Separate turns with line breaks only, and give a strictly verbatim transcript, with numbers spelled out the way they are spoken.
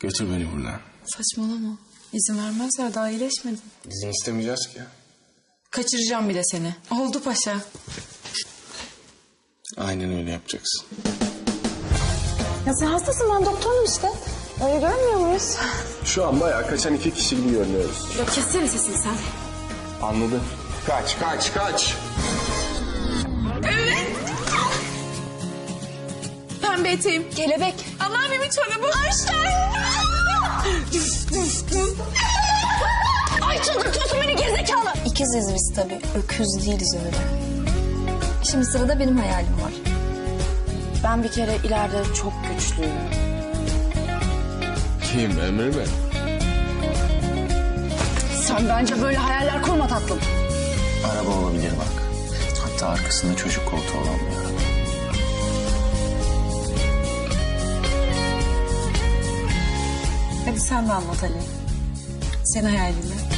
Götür beni buradan.
Saçmalama. İzin vermezler, daha iyileşmedin.
İzin istemeyeceğiz ki.
Kaçıracağım bir de seni. Oldu paşa.
Aynen öyle yapacaksın.
Ya sen hastasın, ben doktorum işte. Öyle görmüyor muyuz?
Şu an bayağı kaçan iki kişi gibi görünüyoruz.
Ya kessene sesini sen.
Anladım. Kaç, kaç, kaç.
Pembe eteğim. Kelebek. Anneannemin çorabı. Ayşen.
Ay çıldırtıyorsun beni gerizekalı. İkiziz biz tabii. Öküz değiliz öyle. Şimdi sırada benim hayalim var. Ben bir kere ileride çok güçlüyüm.
Kim, Emre mi?
Sen bence böyle hayaller kurma tatlım.
Araba olabilir bak. Hatta arkasında çocuk koltuğu olan bir araba.
Hadi sen de anlat Ali. Sen hayalini.